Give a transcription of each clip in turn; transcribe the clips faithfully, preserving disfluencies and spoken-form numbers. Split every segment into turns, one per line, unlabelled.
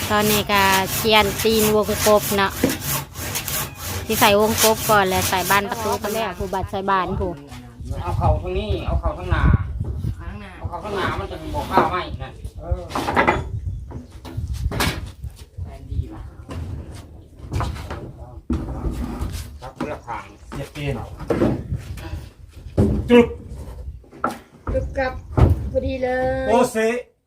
ตอนนี้ก็เชียนตีนวงกบเนาะที่ใส่วงกบก่อนแล้วใส่บานประตูก็แล้วผู้บัดใส่บานผู้
เอาเข่าทางนี้เอาเข่าทางหน้าเอาเข่าทางหน้ามันจะบอกข้าวไหมนะเออแอนดีนะรับเลือกทางเสียเกณฑ์จุด
จุดกับพอดีเลย
โอเซ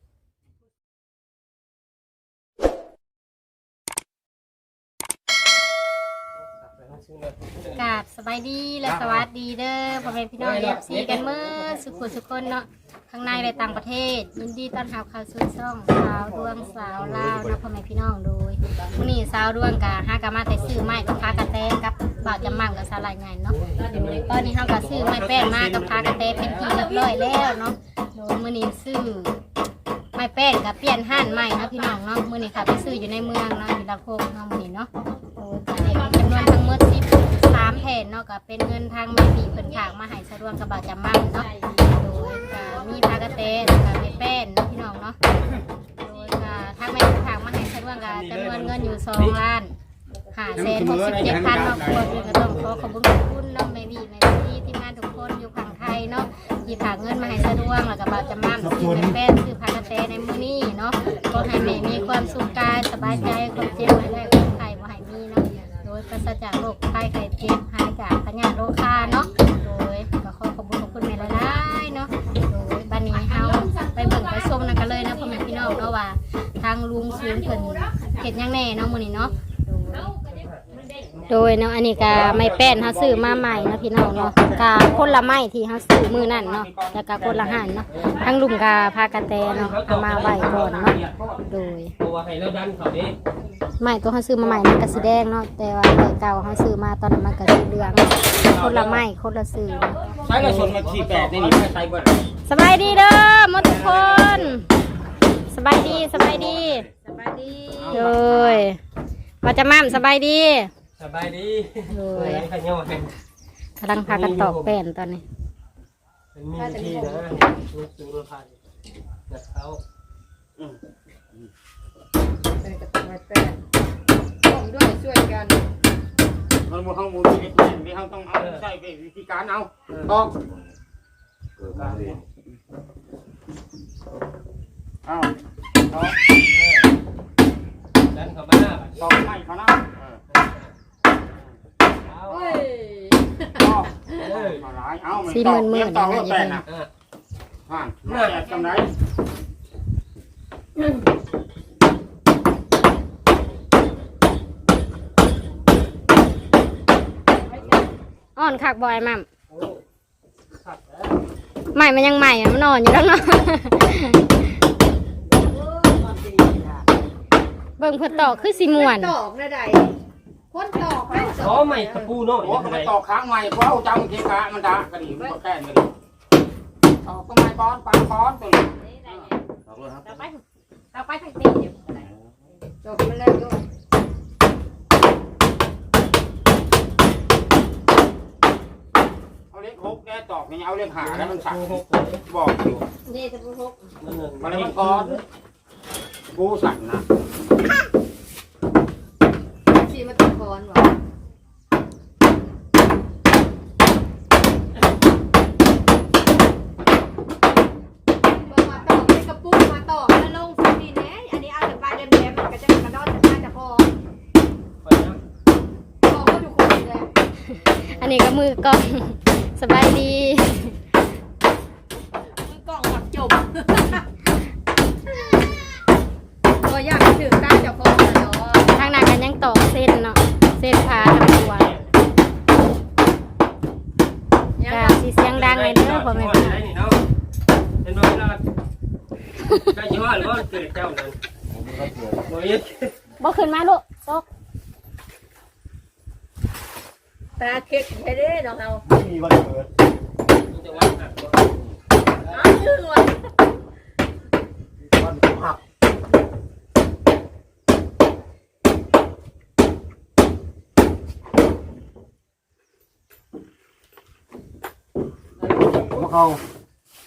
กราบสบายดีและสวัสดีเด้อพ่อแม่พี่น้องเอฟซีกันเมื่อสุขุสุขคนเนาะข้างในและต่างประเทศยินดีต้อนรับเข้าสู่ช่องสาวดวงสาวลาวนะพ่อแม่พี่น้องโดยวันนี้สาวดวงกับฮากามาแต่ซื้อไม้กับพากระแตกับบ่าวจำมั่งกับสาลายไงเนาะตอนนี้เขาก็ซื้อไม้แป้นมากับพากระแตเป็นที่เรียบร้อยแล้วเนาะโดยมื้อนี้ซื้อไม้แป้นกับเปลี่ยนห้านใหม่นะพี่น้องเนาะมื้อนี้ค่ะไปซื้ออยู่ในเมืองเนาะอยู่ละโคกเนาะมื้อนี้เนาะโอ้จำนวนทั้งหมดสิบสามแผ่นเนาะก็เป็นเงินทางแม่ปีเพิ่นฝากมาให้สะดวกกับบ่าวจำมั่งเนาะโดยก็มีพากระแตแล้วก็ไม้แป้นเนาะพี่น้องเนาะโดยก็ทางแม่ฝากมาให้สะดวกกับจำนวนเงินอยู่สองล้านห้าแสนหกสิบเจ็ดพันเนาะควรก็ต้องขอขอบคุณขอบคุณเนาะแม่บีแม่พี่ทีมงานทุกคนอยู่ฝั่งไทยเนาะที่ฝากเงินมาให้สะดวกแล้วก็บ่าวจำมั่งซื้อไม้แป้นซื้อพากระแตในมื้อนี้เนาะก็ให้แม่มีความสุขกายสบายใจความเจ็บไม่ได้ความไข้บ่ให้มีเนาะโดยปราศจากโรคภัยไข้เจ็บหายจากพยาธิโรคาเนาะโดยก็ขอขอบคุณขอบคุณแม่หลายๆเนาะโดยบัดนี้เฮาไปเบิ่งไปชมนำกันเลยนะพ่อแม่พี่น้องเนาะว่าทางลุงศูนย์เพิ่นเฮ็ดหยังแน่เนาะมื้อนี้เนาะโดยเนาะอันนี้ก็ไม้แป้นเฮาซื้อมาใหม่นะพี่น้องเนาะก็คนละไม้ที่เฮาซื้อมื้อนั้นเนาะแล้วก็คนละหันเนาะทั้งลุงก็พากระแตเนาะเอามาไว้ก่อนเนาะโดยไม้ตัวเฮาซื้อมาใหม่มันก็สีแดงเนาะแต่ว่าไม้เก่าเฮาซื้อมาตอนนั้นมันก็สีเหลืองคนละไม้คนละซื้อ
ใช้กระสุนมาสี่แปดในนี้ไม่ใช้เบิร์ด
สบายดีเด้อหมดทุกคนสบายดีสบายดี
สบายดี
เลยว่าจะมั่มสบายดี
สบายดี
เลยกำลังพากันตอกแป้นตอนนี้
มีที่นะลูกซื้อรถไฟนักเขา
ใส่กับไม้แป้นต้องด้วยช่วยกัน
มันมูลข้างมูลที่ที่เขาต้องเอาใช้วิธีการเอาต้องเอาเอาดันเข้ามาต้องให้เขานะ
สี่หมื่นหมื่น
ต่อรถแปดนะผ่านเมื่อจำได้
อ่อนคักบอยมั่มใหม่มันยังใหม่อ่ะมันนอนอยู่แล้วเนาะเบิ่งเพื่อตอกคือสีม่วน
ตอกนะใดคนตอกไป
อ๋อใหม่ตะปูเนาะโอ้เขาไปตอกค้างใหม่เพราะเอาจังเทกะมันด่ากระดิ่งมันแก้เลยตอกก็ไม่ป้อนปังป้อนตัวนี้ตอกเลยครับ
เราไปเราไปทางตีเดี๋ยวตอกมันแล้วด้วย
เอาเล็กหกแกตอกนี่เอาเล็กหาแล้วมันสั่งบอกอยู่
นี่จะพูด
มันมันก้อนกูสั่งนะ
ชีมาตะกอนวะมาต่อไปกระปุกมาต่อแล้วลงสปีนแหนอันนี้เอาแต่ปลายเดิมๆมันก็จะกระโดดจะมาจะพอพอก็ทุกคนเลย
อันนี้ก็มือกล้องสบายดี
มือกล้องหมักจบตัวอยากถึงตาจะพอ
ทางหน้ากันยังตอกเส้นเนาะเส้นพาทำตัวแต่สีเสียงดังเลยเด้อพ่อแม่พี่น้อง
เห็นบ่เวลาใครจะว่าหรือว่าเกิดเจ้านั้น
บ่ขึ้นมาลูกตก
ตาเค็ดใช่ได้น้องเอา
มีวันเกิดจะวันหัก
อ้าวชื่อวัน
วันหักหัวเข่า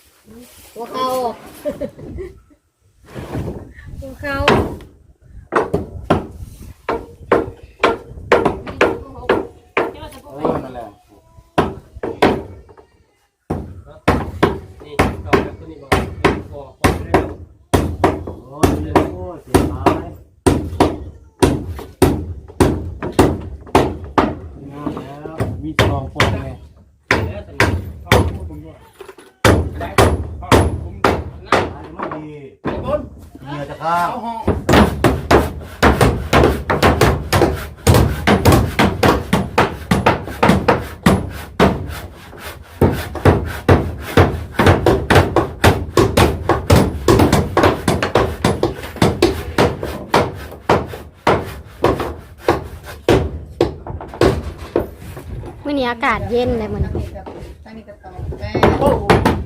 หัวเข่าหัวเข่า
อ้ยโอ้ยเสียหายงามแล้วมีสองคนไง
แล้วแต่พ่อผมด้วยได้พ่อผมนั่ง
อันไม่ดี
บน
เมียจะข้า
เอา
ว
ห้อง
มื้อนี้อากาศเย็นเลยมื้อนี้
ตั้งนี่ก็ตอกแป้ง
โอ้โห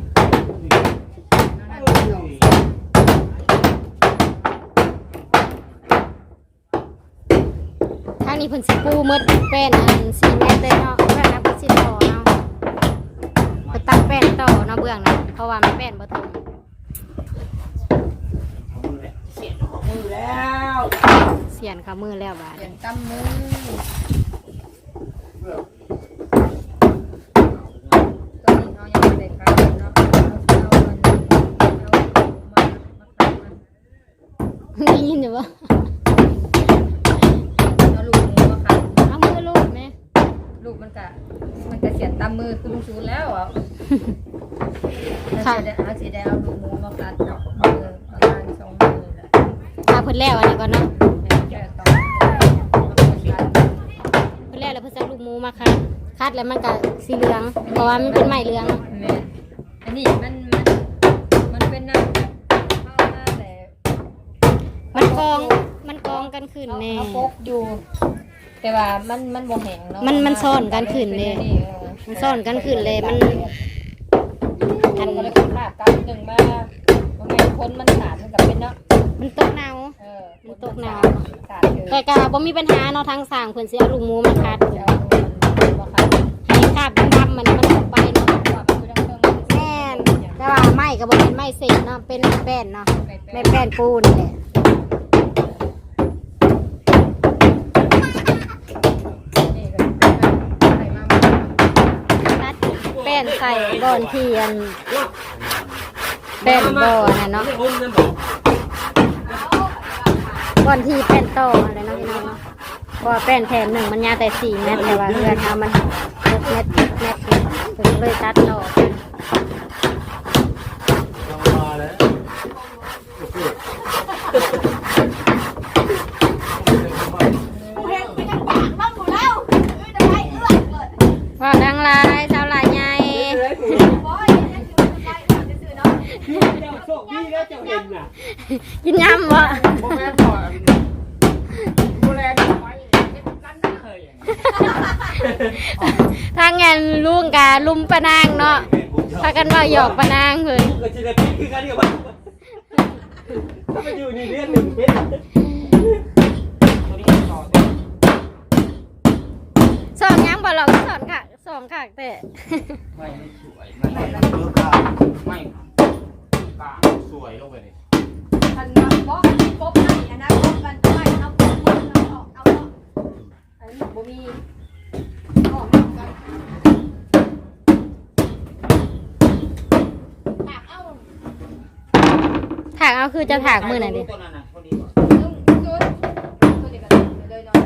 ทางนี้เพิ่นสิปูหมดแป้นอันสี่เมตรเลยเนาะเพื่อนนะเพิ่นสิต่อเนาะเพิ่นตั้งแป้นต่อเนาะเบื้องนะเพราะว่ามันแป้นบ่ตรง
เสียของมือแล้ว
เสียนขามือแล้วบาด
เปลี่ย
นี้
นตั้มมือตอนนี้เขายังไม่ได้ขายเนาะเอาเอามันเอามามาขายมัน
ได้ยินอยู่บ่
เอาลูกหมูมาขาย
เอามือลูบแม่
ลูกมันกะมันกะเสียนตั้มมือคือลุงชูนแล้วอ่ะถ้าเสียได้เอาเสียได้เอาลูกหมูมาขายกับมือประมาณสองมือแหละ
ถ้าเพิ่นแล้วอันนี้ก่อนเนาะ
แค่ต่อมาขาย
เพิ่นแล้วแล้วเพิ่นจะเอาลูกหมูมาคัดคัดแล้วมันก็สีเหลือง เพราะว่ามันเป็นไม้เหลือง
แม่อันนี้มันมันมันเป็นน้ำเข้ามาแต่
มันกองมันกองกันขึ้นแน่
เอาปกอยู่ แต่ว่ามันมันบ่แห้งเนาะ
มันมันซ่อนกันขึ้นเลย มันซ่อนกันขึ้นเลยมัน
อันก็เลยขาดกันหนึ่งมาบ่แม่นคนมันขาดมันกับเป็นเนาะ
มันตกหนาว
เออ
มันตกหนาว
ขาดเลย
แต่ก็บ่มีปัญหาเนาะทางสร้างเพิ่นสิเอาลูกหมูมาคัด
จะเอามันบ่ขาด
ให้คราบดำๆมันมันออกไปเนาะ
ว่ามันคือเครื่องมัน
แม่นแต่ว่าไม้ก็บ่เป็นไม้เศษเนาะเป็นไม้แป้นเนาะไม้แป้นปูนี่แหละ
นี่ก็ใส่มามา
ตัดแป้นใส่บ่อนเทียนแป้นบ่อน่ะเนาะบ่อนที่แป้นโตอะไรเนาะพี่น้องเนาะเพราะว่าแป้นแผ่นหนึ่งมันยาวแต่สี่เมตรแต่ว่าเพื่อนเอามันหกเมตรเจ็ดเมตรถึงเลยตัดต่อ
ยังมาแล้วโอเค
ว่าดังลายสาวลายใหญ่
เจ้าโชคดีแล้วเจ้าเห็นน่ะ
กินยำบ่
โมแม่พ่อดูแลดีไว้กันไม่เคย
ทางงานลุงกาลุมปะนางเนาะพากันว่าหยอกปะนางเพิ่น
ก็จะได้พิษคือกันเดียวกันถ้าไปอยู่ในเรื่องหนึ่งเป็นตัวนี้ต่อเต็ม
สอนยังบ่เราก็สอนค่ะสอนค่ะแต่
ไม่ไม่สวยไม่
เลือกข้าว
ไม่กลางสวยลงไปเลย
อันนั้นบ่อันนี้ปกให้อันนั้นปกกันไม่เอาปกมันเอาออกเอาเนาะอันนี้บ่มีออกกัน
ถากเอาคือจะถากมือไหนดิ
ตัวนั้นน่ะคนนี้ก่อน
ลุงจุดตัวนี้ก็เลยเนาะ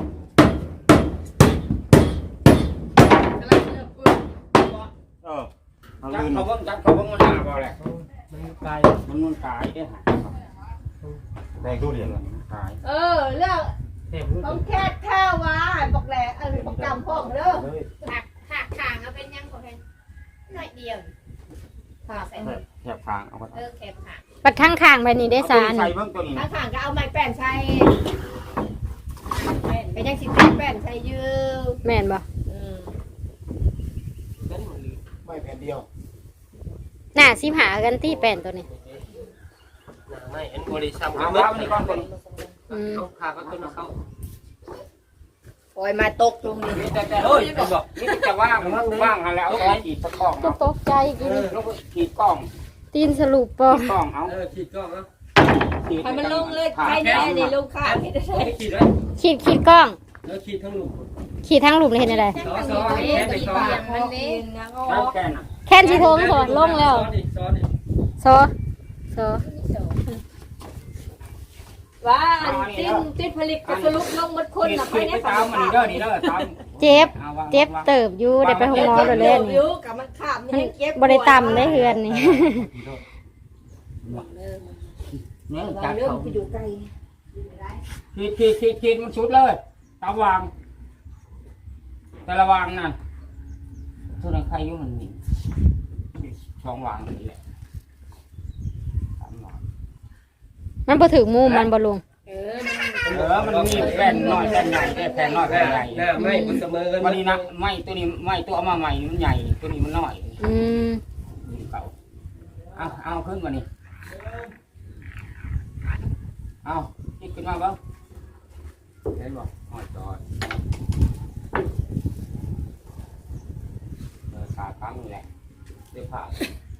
กำลังเริ่มปึ้ง
เออเอา
จัก
ลื่น
เขาเบิ่งจักเขาเบิ่งมันหาบ่แหละ
มันไกล
มันมันกายได้หา
แดงตู้เหรียญละ
กาย
เออเรื่องต้องแค่แค่ว่าบอกแหลกเออบอกจำพ่อเด้อ
ถากถากขางเอาเป็นยังบ่เห็นหน่อยเดียว
ค่ะใส่
แถบทางเอาไป
เออแคบขางปัดข้างข้างไปนี่ได้สาร
ใส่เบิ่งตัวนี้
ข้างข้างก็เอาไม้แป้นใช้เป็นยังสิแป้นใช้ยืม
แม่นบ่
ไม่แผ่นเดียว
หน้าสิหากันที่แป้นตัวนี้
ไม่เอ็นบริษัทเอาไว้นี่ก่อนคน
อืม
ขาก็ต้นเขา
ปล่อยมาตกลงนี่
นี่แต่แต่เฮ้ยบอกนี่จะว่างว่างแล้วเอาไว้ขีดตะกล้อง
ก็ตกใจกิน
แล้วก็ขีดกล้อง
ตีนสรุปบ่
ขีดกล้องเอา
เออขีดกล้องแล้ว
ขีด
ให้มันลงเลยใครแน่นี่ลงข้างที่ได้
ไม่ขีดไว้
ขีดขีดกล้อง
แล้วขีดทั้งหลุม
ขีดทั้งรูปเลยเห็นอะไร
ซ้อนซ้อนแค่ไปซ้อน
มันนี่นะก็
แล้วแกน่ะ
แค่นชีโทงสอนลงแล้ว
ซ้อนอีกซ้อนอีก
โซโซ
ว่าติ้นติ้นผลิตก็สรุปลงหมดคนน่ะไป
ไป
ใน
ตามมันนี่เด้อนี่เด้อตาม
เจ็บ
เอาวาง
เจ็บ
วาง
เติบอยู่ได้ไปห้องหมอโดน
เล่
เล่น
นอยู่กับมันขาดมันยังเก็บ
บ่ได้ต่ำได้เฮือนนี่
เนี่ย
วา
จั
ง
บ
เรื่อง
เขา
ไปอยู่ไกล
ขีดขีดขีดขีดมันชุดเลยตามวาง แต่ละวางนั่นทุนใครยุ่งมันนี่สองวางนี่แหละสามวาง
มันบ่ถึงมุมมันบ่ลุง
เออ
เออมันมีแผ่นน้อยแผ่นใหญ่แผ่นน้อย
ห
แผ่นใหญ่
น้าไม่มันเสมอกัน
วันนี้นะไม้ตัวนี้ไม้ตัวเอามาใหม่มันใหญ่ตัวนี้มันน้อย
อืม
เก่าเอาเอาขึ้นมานี่เอาคิดขึ้นมาบ้างเห็นบ่หอยจอยเออขาตั้งนี่แหละเดี๋ยวผ่า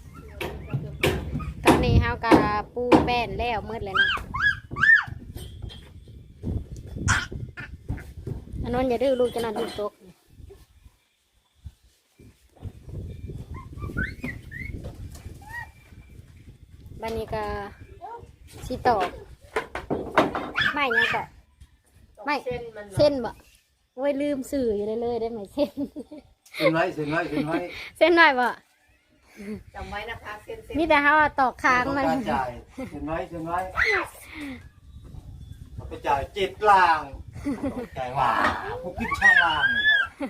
ตอนนี้เฮาก็ปูแป้นแล้วมืดเลยเนาะอันนั้นอย่าดื้อลูกจะนอนดูตกบันนี้ก็สิตอกไม่ยังก็ไม่
เส้นมัน
เส้นบ่โอ้ยลืมสื่ออยู่เลยเลยได้ไหมเส้น
เส้นไว้เส้นไว้เส้นไว้
เส้นหน่อยบ่
จำไว้นะคะเส้นเส้น
มีแต่เฮาอะตอกค้างมัน
ต้องการจ่ายเส้นไว้เส้นไว้เราไปจ่ายเจ็ดล่างจ่ายว่าพวกขึ้นช่องล่างเนี่ย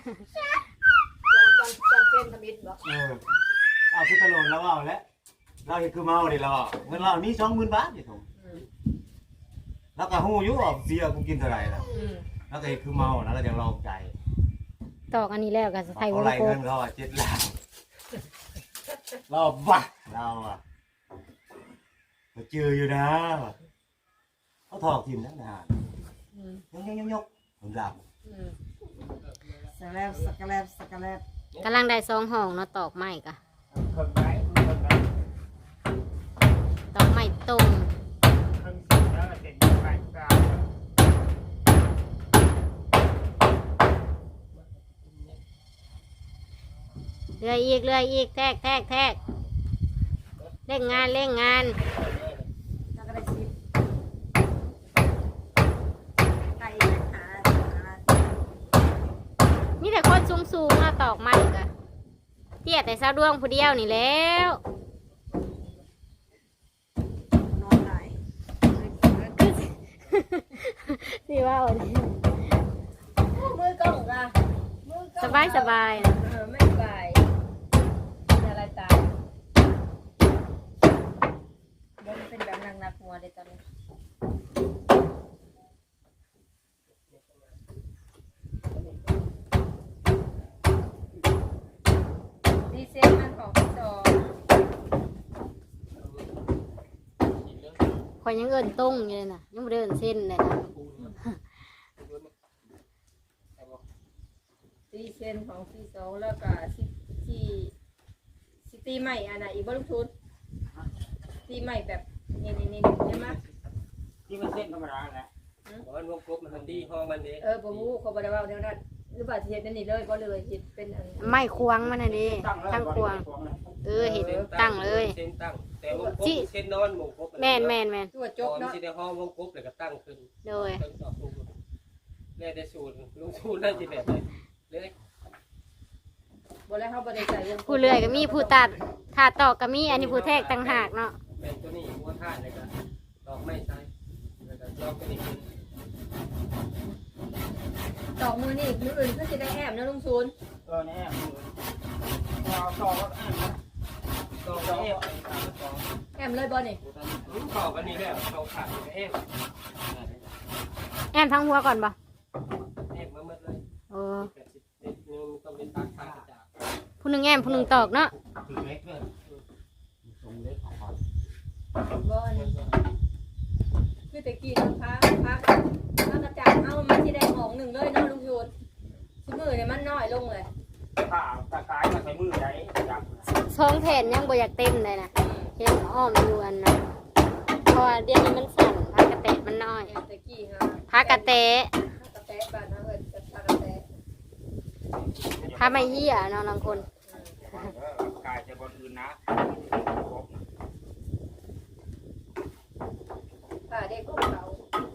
จำจำเส้นทมิดบอก
เออเอาพิจารณาแล้วเอาแล้วเราเห็นคือเมาดิเราเงินเรามีสองหมื่นบาทอยู่ตรงแล้วก็หูยุบเสียกูกินเท่าไหร่ล่ะแล้วก็เห็นคือเมาแล้วก็ยังลองใจ
ตอกอันนี้แล้วก็ใส่ว
เอา
ง
ไร
กล
เงิ
ม
นเขาอ่ะเจ็ดล้านเราบ้าเราอ่ะเราเจออยู่นะเขาถอกทีมนักงานยกยกยกยกผมดับ
สักแลบสักแลบสักแลบ
กำลังได้ซองห้องเนาะตอกไม้ก็
คนไหนคนไหน
ตอกไม้ตรง
ทั้งสิ้นแล้วเด็กแปดกลาง
เรื่อยอีกเรื่อยอีกแทกแทกแทกเร่งงานเร่งงาน
แล้วก็ได้ชิปไก่หา
มีแต่คนสูงสูงๆอะตอกไม้ก็เตี้ยแต่สาวดวงผู้เดียวนี่แล้ว
นอนไหน
สิว่าเอาดิ
มือกล้องอะมือกล้อง
สบายสบายนะ
เออไม่สบายอะไรตายมันเป็นแบบหนักๆหัวเลยตอนนี้ดีเซลมันของพี่จอ
คอยยังเอินตรงอยู่เลยนะยังไม่ได้เอินเส้นเลยนะ
ตีเซนของพี่สองแล้วก็ซิที่ซิตีใหม่อันไหนอีกบ้างทุนตีใหม่แบบนี่นี่นี่ใช่ไหม
ที่มันเส้นธรรมดาแหละ
มันวงกบมันดีห้องมันดี
เออบ่ฮู้เขาบ่ได้ว่าเท่านั้นหรือว่าสิเฮ็ดนั่นนี่เลยบ่เลยเฮ็ดเป็นอัน
ไม้ควงมันน่ะดิ
ตั้งแล้ว
ตั้งควง
เลย
เออเห็นตั้งเลย
เส้นตั้งแต่วงกบเส้นนอนวงกบ
แม่นแม่นแม่น
ตัวจ
จ
ก
บ
เนาะ
ที่ในห้องวงกบเลยก็ตั้งขึ้น
โดย
ตั้งสอบลงแล้วได้สูตรลงสูตรนั่นที่แบบไหนเลย
บ่แล้วเฮาบ่ได้ใส่วง
ผู้เลื่อยก็มีผู้ตัดถ้าตอกก็มีอันนี้ผู้แทกต่างหากเนาะ
แม่ตัวนี้หัวท่าเลยก็ตอกไม่ใช่แล้วก็ลอกไปนี่
ตอกมือนี่มืออื่นก็สิได้แอบนะลุงศูนย์
เออเนี่ยเราต่อก็แอบนะ
ตอกไม่เอฟ
แอบเลยบ่นี่
ลุ้นขอบอันนี้แล้วเขาขาดเอฟ
แอนทั้งหัวก่อนบ่
เอฟมาหมดเลย
เออ
แปดสิบเอ็ดนึงต้องเป็นตักขาดจาก
ผู้หนึ่งแอมผู้หนึ่งตอกเนาะ
ถือเล็กเลยตรงเล็กของมัน
บ่อันนี้คือตะกี้น้ำพักพักพักกระจาดเอามันสิได้ของหนึ่งเลยเนาะลุงศูนย์ซุมื้อนี่มันน้อยลงเลย
ถ้าตะกายมาใส่มือใหญ่จับ
สองแผ่นยังบ่อยากเต็มเลยนะเห็นอ้อมอยู่อันนะเพราะว่าเดี๋ยวนี้มันสั่นพักกระเตะมันน้อย
ตะกี้ฮะ
พักกระเตะ
พักกระแตะบ้านนะเอิ้นพักกระแตะ
ถ้าไม่เหี้ยเนาะบางคน
กายจะบนอื่นนะ
ป้าเด็กของเขา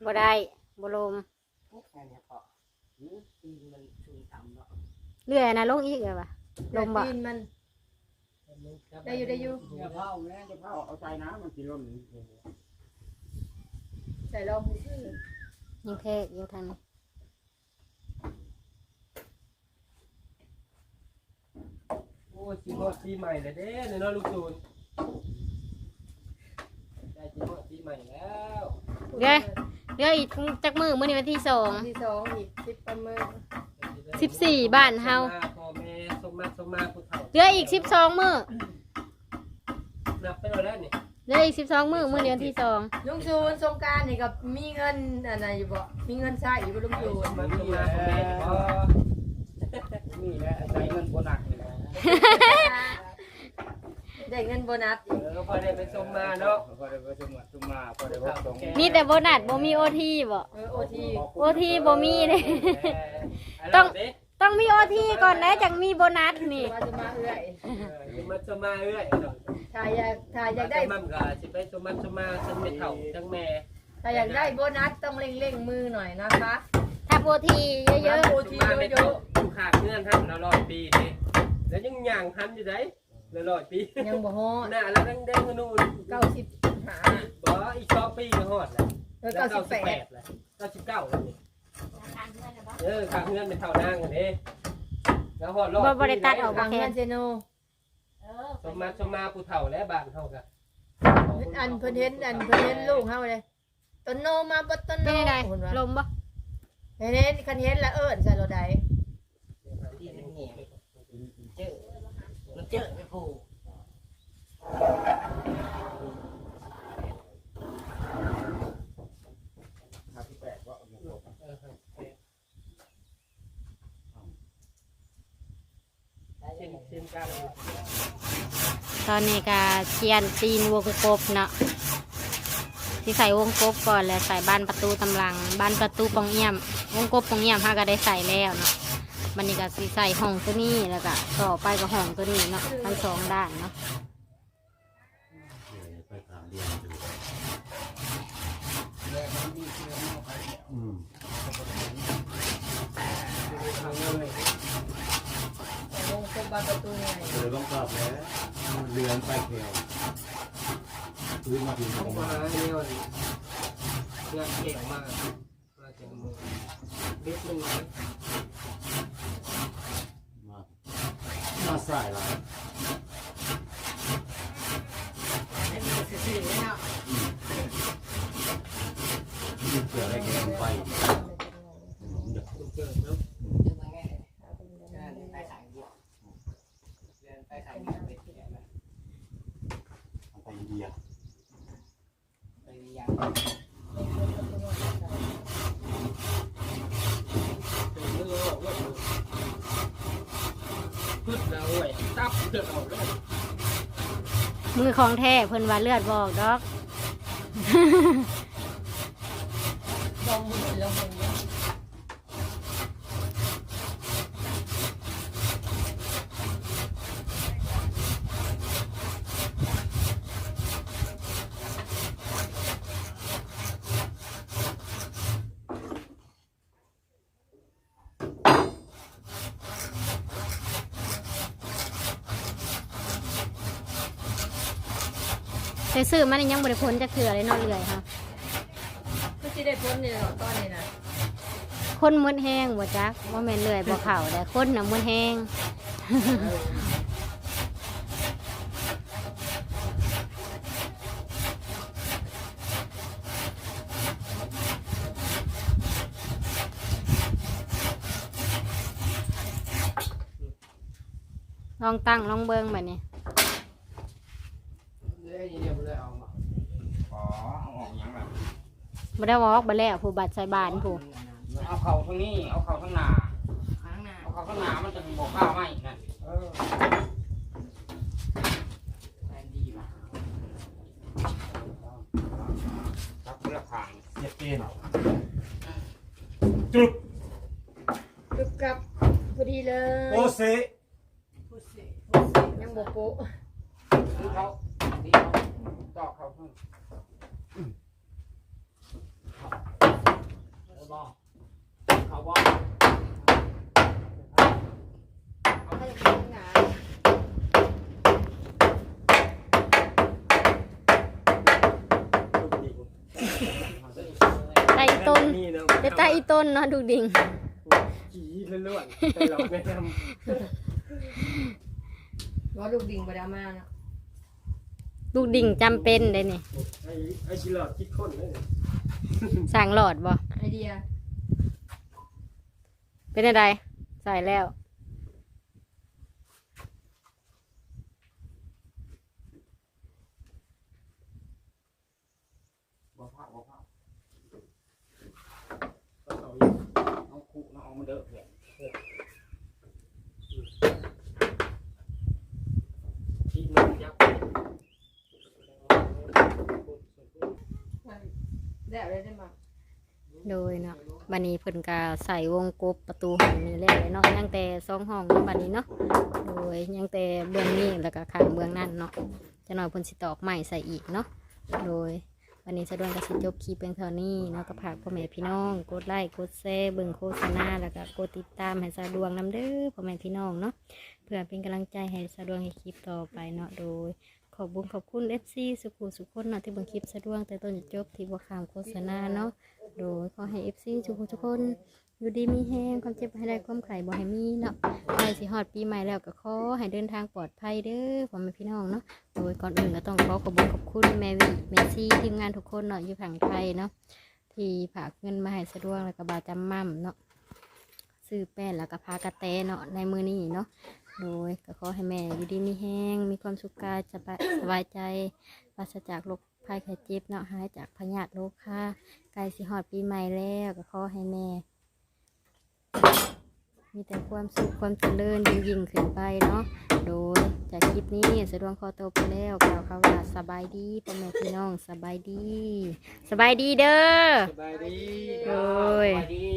บ่ได้บ่ลม
แค่นี้พอตีนมันชูต่ำเนาะ
เรื่อยนะลงอีกเลยว่ะลมบ่
ตีนมัน ได้อยู่ได้อยู่
อย่าเผาแม่จะเผาเอาใจน้ำมันสิล้น
ใส่รองพื้น
ยังแทกอยู่ทางนี้
โอ้ชีวิตปีใหม่เลยเด้เนาะลูกจูนได้ชีวิตปีใหม่แล้ว
เดี๋ยวเดี๋ยวอีกจักมือมื้อนี้วันที่สอง
ที่สองอีกสิบประเมิน
สิบสี่บ้านเฮา
พ่อแม่สมมาสมมาผู้เฒ่า
เหลืออีกสิบสองมื้อ
นับไปแล้วนี่
เหลืออีกสิบสองมื้อมื้อนี้วันที่สอง
ลุงจูนสงกรารนี่กับมีเงินอะไรอยู่บ่มีเงินใช้อยู่บ่ลุงจูน
มันสมมาพ่อแม่พ่อ
นี่แหละใจเงินโบนัสนี่แหละ
ได้เงินโบนัส
เออพอได้ไปสมมาเนาะ
พอได้ไปสมัครสมาพอได้บอกตรง
มีแต่โบนัสบ่มีโอทีบ่
เออโอที
โอทีบ่มีเด้ ต้องต้องมีโอทีก่อนนะจังมีโบนัสนี่
มาจะมาเอื้อย
มาสมมาเรื่อย
ถ้าอยากถ้าอยากได้
มั่มก็สิไปสมมาสมมาฉันเป็นเฒ่าทั้งแม่
ถ้าอยากได้โบนัสต้องเร่งเร่งมือหน่อยนะคะ
ถ้าโอทีเยอะ
โอทีเยอะ
อยู่ขาดเงื่อนท่านเราร้อยปีดิแล้วยังย่างทันอยู่ไหนเราร้อยปี
ๆยังบ่ฮอด
หน้าแล้วดังแดงนู่น
เก้าสิบห้า
บ่อีกสองปีก็ฮอดแล้ว
เออเก้าสิบแปด
แล้วเก้าสิบเก้าแล้วนี่เออขาดเงื่อนเป็นเท่านางกันเด้แล้วฮอดรอบ
บ่บ่ได้ตัดออก
ทางเงินเซโน
สมมาสมมาผู้เฒ่าและบ้านเฮากัน
อันเพิ่นเห็นอันเพิ่นเห็นลูกเฮาเลยต้นโนมาบ่ต้น
ๆ
โน
เป็นไง
เพิ่นว่า
ลมบ่
เห็นเห็นคันเห็นแล้วเอิ้นใส่รถใด
เจอไม่ผู้
ครับที่แปดว่า
เช่นเช่นกัน
ตอนนี้ก็เชียนตีนวงกบเนาะที่ใส่วงกบก่อนแล้วใส่บ้านประตูตำลังบ้านประตูปองเอี่ยมวงกบปองเอี่ยมเฮาก็ได้ใส่แล้วเนาะมันนี่ก็สิใส่ห้องตัวนี้แล้วก็ต่อไปก็ห้องตัวนี้เนาะทั้งสองด้านเนาะ
ไปถามเรียนดูอืม
วงกบบ้านประตูไง
เลยต้องกลับแล้วเรือนไปแถวพื้นมาถึงต
ต้อ
รง ง
มา
มา
เนี่ยเงื่อนเก่งมากมาเก่งมือเบ็ดมัน
มามาใส่ละเกิดอะไรกันไปเดี๋ยว
เกิดเนาะ
ไปอินเดีย
พึ่งแล้วเว้ยตับเกิดออกเลย
มือของแท้เพิ่นว่าเลือดบอกดอก
ลองมือลองมือ
แต่ซื้อมันยังบริพ้นจะเถื่อเลยเนอกเรื่อยค่ะ
ก็สิได้พ้นนี่เนาะตอนนี้น่ะ
คนมืดแห้งบ่จักว่าแม่นเลื่อยบ่เข่าแต่คนน่ะมืดแห้ง ลองตั้งลองเบิ้งแบบนี้
เดี๋ยวเดี๋ยวเลยเอามา
อ๋อเอาออกยังแบบ
บ่ได้วอกบ่แล้วผู้บัตรใส่บานผู้
เอาเข่าทางนี้เอาเข่าทางหน้าเอาเข่าทางหน้ามันจะบอกข้าวไหมนั่นเออดีนะรับเพื่อขาย
เย็ดเกณฑ์
กึบกับพอดีเลย
โอเซ
ยังบ่โป๊ะ
ดีเขาดีเขาต่อเขาเพิ่มบ่เขาบ่
เอาไปกินหนา
ไตอีต้น
นี่เนาะ
เดี๋ยวไตอีต้นเนาะดูดิ่ง
ขี้ล้วนๆแต่เราแนะน
ว่าลูกดิ่งไปดราม่าเนาะ
ดูดิ่งจำเป็นเลยนี่
ำไอ้ไอ้ชิลอดคิดค้นเลย
สั่งหลอดบ่
ไอเดีย
เป็นอะไรใส่แล้ว
บ่พาบ่พา
เอาอีก
เอาคู่เอาเอามาเด้อเพื่อน
ที่มันยับ
ได้อะไรได้มา
โดยเนาะบัดนี้เพิ่นก็ใส่วงกบประตูห้องนี้แล้วเนาะยังแต่สองห้องเนาะบัดนี้เนาะโดยยังแต่เบื้องนี้แล้วก็ข้างเบื้องนั้นเนาะจะหน่อยเพิ่นสิตอกใหม่ใส่อีกเนาะโดยวันนี้สะดวกก็สิจบคลิปเพียงเท่านี้เนาะก็ฝากพ่อแม่พี่น้องกดไลค์กดแชร์เบิ่งโฆษณาแล้วก็กดติดตามให้สะดวกนำเด้อพ่อแม่พี่น้องเนาะเพื่อเป็นกำลังใจให้สะดวกให้คลิปต่อไปเนาะโดยขอบคุญขอบคุณ เอฟ ซี สุขุสุขคนเนาะที่เบิ่งคลิปสะดวกแต่ต้นจนจบที่บ่ข้ามโฆษณาเนาะ โดยขอให้ เอฟ ซี ทุกคนทุกคนอยู่ดีมีแห้งความเจ็บให้ได้ความไข่บ่ให้มีเนาะใกล้สิฮอดปีใหม่แล้วก็ขอให้เดินทางปลอดภัยเด้อพ่อแม่พี่น้องเนาะโดยก่อนอื่นก็ต้องขอขอบคุณขอบคุณแม่วิแม่ซีทีมงานทุกคนเนาะอยู่ฝั่งไทยเนาะที่ฝากเงินมาให้สะดวกแล้วก็บาจำมั่มเนาะซื้อแป้นแล้วก็พากระแตเนาะในมือนี้เนาะโดยก็ขอให้แม่อยู่ดีมีแห้งมีความสุขกายสบายใจปราศจากโรคภัยไข้เจ็บเนาะหายจากพยาธิโรคค่ะใกล้สิฮอดปีใหม่แล้วก็ขอให้แม่ มีแต่ความสุขความเจริญยิ่งยิ่งขึ้นไปเนาะโดยจากคลิปนี้สะดวกคอโตวไปแล้วกล่าวคำว่าสบายดีพ่อแม่พี่น้องสบายดีสบายดีเด้อ
สบายดี
โดย
สวัสดี